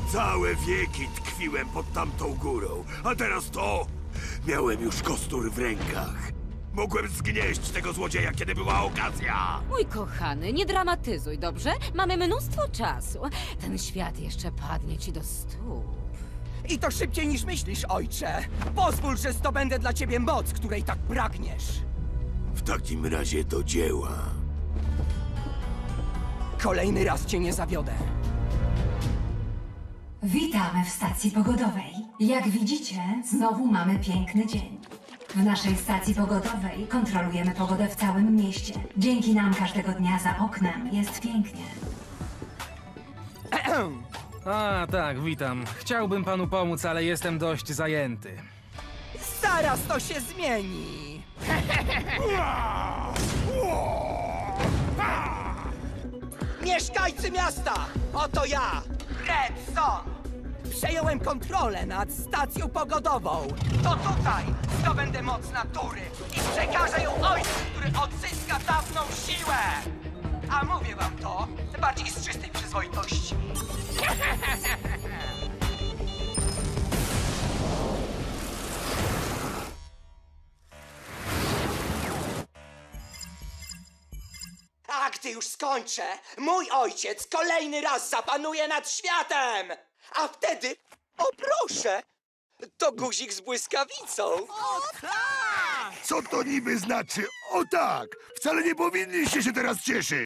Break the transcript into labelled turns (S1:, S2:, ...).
S1: Całe wieki tkwiłem pod tamtą górą, a teraz to... Miałem już kostur w rękach. Mogłem zgnieść tego złodzieja, kiedy była okazja.
S2: Mój kochany, nie dramatyzuj, dobrze? Mamy mnóstwo czasu. Ten świat jeszcze padnie ci do stóp.
S3: I to szybciej niż myślisz, ojcze. Pozwól, że zdobędę dla ciebie moc, której tak pragniesz.
S1: W takim razie do dzieła.
S3: Kolejny raz cię nie zawiodę.
S4: Witamy w stacji pogodowej. Jak widzicie, znowu mamy piękny dzień. W naszej stacji pogodowej kontrolujemy pogodę w całym mieście. Dzięki nam każdego dnia za oknem jest pięknie.
S5: A, tak, witam. Chciałbym panu pomóc, ale jestem dość zajęty.
S3: Zaraz to się zmieni. Mieszkańcy miasta! Oto ja, Red Son! Przejąłem kontrolę nad stacją pogodową. To tutaj zdobędę moc natury i przekażę ją ojcu, który odzyska dawną siłę! A mówię wam to bardziej z czystej przyzwoitości. A gdy już skończę, mój ojciec kolejny raz zapanuje nad światem! A wtedy, o proszę, to guzik z błyskawicą.
S1: Co to niby znaczy? O tak! Wcale nie powinniście się teraz cieszyć!